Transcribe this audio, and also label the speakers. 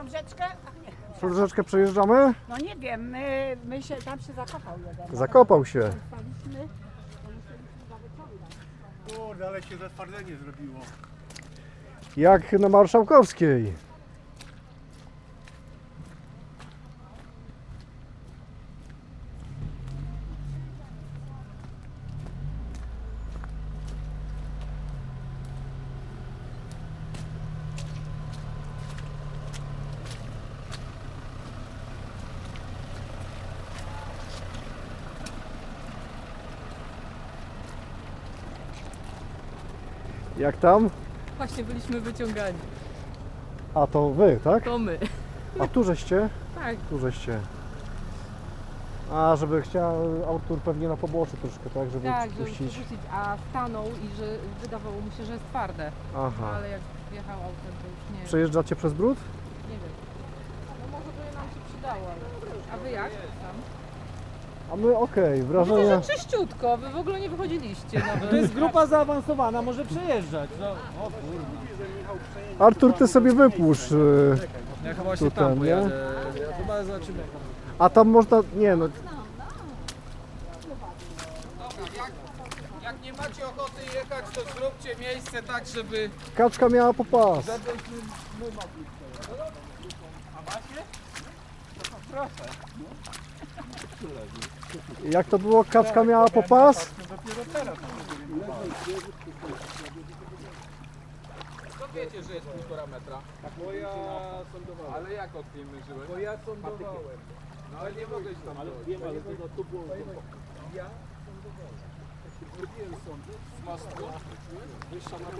Speaker 1: Tą rzeczkę? Ach, nie.
Speaker 2: Przez rzeczkę przejeżdżamy?
Speaker 1: No nie wiem, my się, tam się zakopał jeden.
Speaker 2: Zakopał się.
Speaker 1: Staliśmy, to musieliśmy go wyciągnąć.
Speaker 3: Kurde, ale się zatwardzenie zrobiło.
Speaker 2: Jak na Marszałkowskiej. Jak tam?
Speaker 4: Właśnie byliśmy wyciągani.
Speaker 2: A to wy, tak?
Speaker 4: To my.
Speaker 2: A tu żeście?
Speaker 4: Tak.
Speaker 2: Tu żeście. A, żeby chciał Artur pewnie na poboczu troszkę, tak? Żeby
Speaker 4: Tak, żeby
Speaker 2: puścić.
Speaker 4: przerzucić, a stanął i że wydawało mu się, że jest twarde.
Speaker 2: Aha.
Speaker 4: Ale jak wjechał autem, to już nie,
Speaker 2: Przejeżdżacie przez brud?
Speaker 4: nie wiem. No może by nam się przydało, ale... A wy jak tam?
Speaker 2: A my okej,
Speaker 4: Widzę,
Speaker 2: wrażenia.
Speaker 4: że czyściutko, wy w ogóle nie wychodziliście nawet.
Speaker 5: To jest grupa zaawansowana, może przejeżdżać. No, o kurde.
Speaker 2: Artur, ty sobie wypuszcz.
Speaker 5: Ja chyba się
Speaker 2: Tutaj,
Speaker 5: tam
Speaker 2: nie?
Speaker 5: pojadę. Chyba zobaczymy.
Speaker 2: A tam można, nie no,
Speaker 6: Jak nie macie ochoty jechać, to zróbcie miejsce tak, żeby...
Speaker 2: kaczka miała popas. Jak to było? Kaczka miała popas?
Speaker 6: To wiecie, że jest 1,5 metra.
Speaker 5: Bo ja sądowałem.
Speaker 6: Ale jak od niej mierzyłeś?
Speaker 5: Bo ja sądowałem.
Speaker 6: No ale nie mogłeś tam dojść.
Speaker 5: Wiem, ale to było. Ja
Speaker 6: Z mostu?